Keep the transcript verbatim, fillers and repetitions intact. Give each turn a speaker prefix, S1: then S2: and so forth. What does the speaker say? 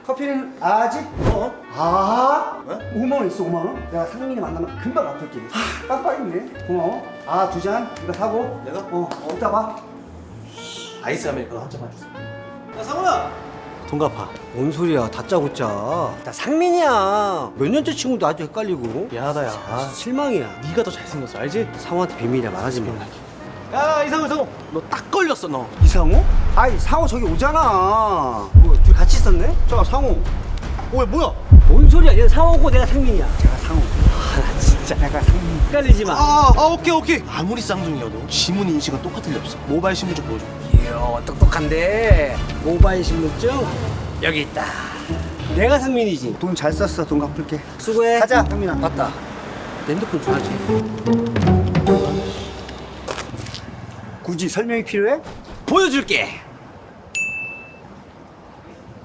S1: 커피는 아직?
S2: 어?
S1: 아
S2: 왜?
S1: 오만 원 있어. 오만 원? 내가 상민이 만나면 금방 갚을게. 하, 깜빡했네. 고마워. 아 두 잔 이거 사고.
S2: 내가?
S1: 어 이따 봐.
S2: 아이스 아메리카노 한 잔만 주세요. 야 상우야. 돈 갚아.
S1: 뭔 소리야 다짜고짜. 나 상민이야. 몇 년째 친구도 아주 헷갈리고.
S2: 미안하다 야.
S1: 아 실망이야.
S2: 네가 더 잘생겼어 알지?
S1: 상호한테 비밀이야 말하지 마.
S2: 야 이상우 이상우 너 딱 걸렸어 너.
S1: 이상호? 아이 상호 저기 오잖아. 뭐 둘이 같이 있었네? 저 상호.
S2: 어 뭐야?
S1: 뭔 소리야? 얘 상호고 내가 상민이야. 제가 상호. 아나 진짜 내가 상민. 헷갈리지 마.
S2: 아, 아 오케이 오케이. 아무리 쌍둥이여도 지문 인식은 똑같을 리 없어. 모바일 신분증 보여줘.
S1: 이야 똑똑한데. 모바일 신분증 여기 있다. 내가 상민이지. 돈 잘 썼어. 돈 갚을게. 수고해. 가자 상민아. 맞다. 내 핸드폰 줘야지. 굳이 설명이 필요해?
S2: 보여줄게.